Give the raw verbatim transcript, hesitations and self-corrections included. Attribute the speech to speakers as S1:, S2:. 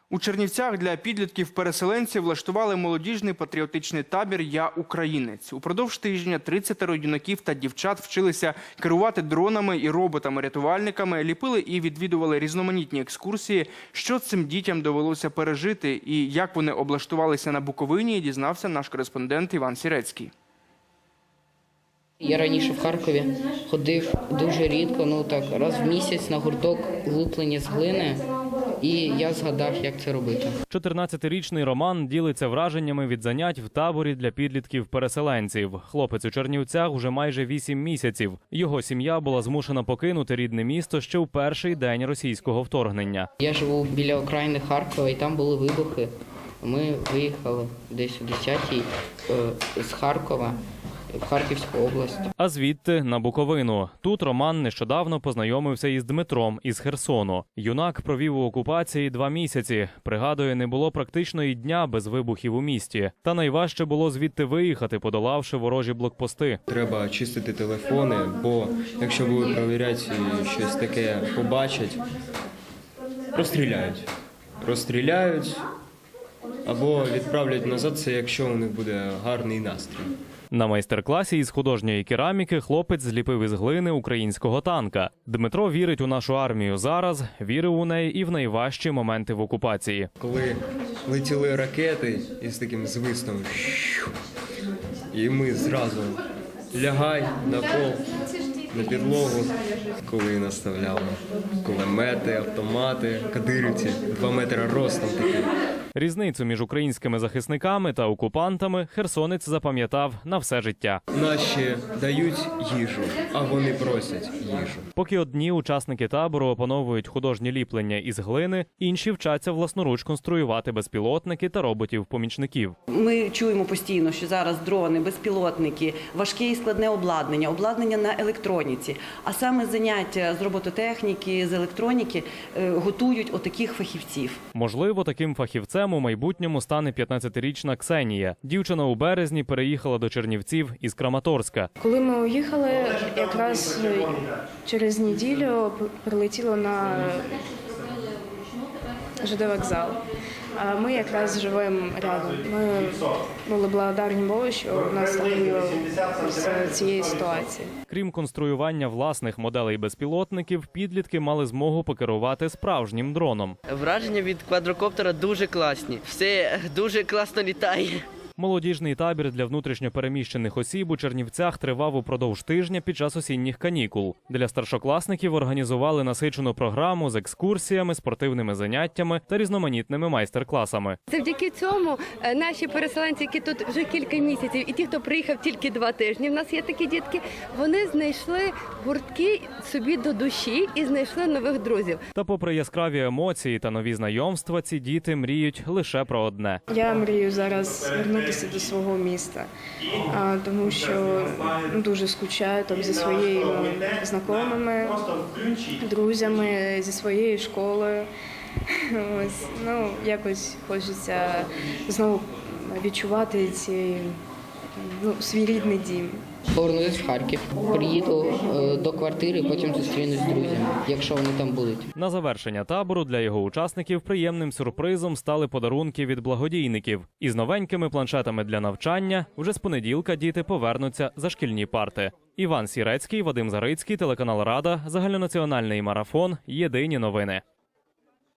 S1: У Чернівцях для підлітків-переселенців влаштували молодіжний патріотичний табір «Я українець». Упродовж тижня тридцятеро юнаків та дівчат вчилися керувати дронами і роботами-рятувальниками, ліпили і відвідували різноманітні екскурсії. Що цим дітям довелося пережити і як вони облаштувалися на Буковині, дізнався наш кореспондент Іван Сірецький.
S2: Я раніше в Харкові ходив дуже рідко, ну так, раз в місяць на гурток луплення з глини. І я згадав, як це робити.
S3: чотирнадцятирічний Роман ділиться враженнями від занять в таборі для підлітків-переселенців. Хлопець у Чернівцях уже майже вісім місяців. Його сім'я була змушена покинути рідне місто ще у перший день російського вторгнення.
S2: Я живу біля окраїни Харкова, і там були вибухи. Ми виїхали десь о десятій з Харкова в Харківську область.
S3: А звідти на Буковину. Тут Роман нещодавно познайомився із Дмитром із Херсону. Юнак провів у окупації два місяці. Пригадує, не було практично і дня без вибухів у місті. Та найважче було звідти виїхати, подолавши ворожі блокпости.
S4: Треба чистити телефони, бо якщо будуть перевіряти і щось таке побачать, розстріляють. Розстріляють або відправлять назад, це якщо у них буде гарний настрій.
S3: На майстер-класі із художньої кераміки хлопець зліпив із глини українського танка. Дмитро вірить у нашу армію зараз, вірив у неї і в найважчі моменти в окупації.
S4: Коли летіли ракети із таким звистом, і ми зразу лягай на пол, на підлогу, коли наставляли кулемети, автомати, кадирівці, два метри ростом такі.
S3: Різницю між українськими захисниками та окупантами херсонець запам'ятав на все життя.
S4: Наші дають їжу, а вони просять їжу.
S3: Поки одні учасники табору опановують художні ліплення із глини, інші вчаться власноруч конструювати безпілотники та роботів-помічників.
S5: Ми чуємо постійно, що зараз дрони, безпілотники, важке і складне обладнання, обладнання на електроніці. А саме заняття з робототехніки, з електроніки готують отаких фахівців.
S3: Можливо, таким фахівцем у майбутньому стане п'ятнадцятирічна Ксенія. Дівчина у березні переїхала до Чернівців із Краматорська.
S6: Коли ми уїхали, якраз через неділю прилетіло на ЖД вокзал. А ми якраз живемо рядом. Ми були благодарні Богу, що в нас так було з цієї ситуації.
S3: Крім конструювання власних моделей безпілотників, підлітки мали змогу покерувати справжнім дроном.
S7: Враження від квадрокоптера дуже класні. Все дуже класно літає.
S3: Молодіжний табір для внутрішньопереміщених осіб у Чернівцях тривав упродовж тижня під час осінніх канікул. Для старшокласників організували насичену програму з екскурсіями, спортивними заняттями та різноманітними майстер-класами.
S8: Завдяки цьому наші переселенці, які тут вже кілька місяців, і ті, хто приїхав тільки два тижні, в нас є такі дітки, вони знайшли гуртки собі до душі і знайшли нових друзів.
S3: Та попри яскраві емоції та нові знайомства, ці діти мріють лише про одне.
S6: Я мрію зараз вернутися до свого міста, тому що дуже скучаю там зі своїми знайомими, друзями, зі своєю школою. Ось, ну, якось хочеться знову відчувати ці, ну, свій рідний дім.
S2: Повернусь в Харків, приїду до квартири, потім зустрінусь з друзями, якщо вони там будуть.
S3: На завершення табору для його учасників приємним сюрпризом стали подарунки від благодійників. Із новенькими планшетами для навчання вже з понеділка діти повернуться за шкільні парти. Іван Сірецький, Вадим Зарицький, телеканал Рада, загальнонаціональний марафон, єдині новини.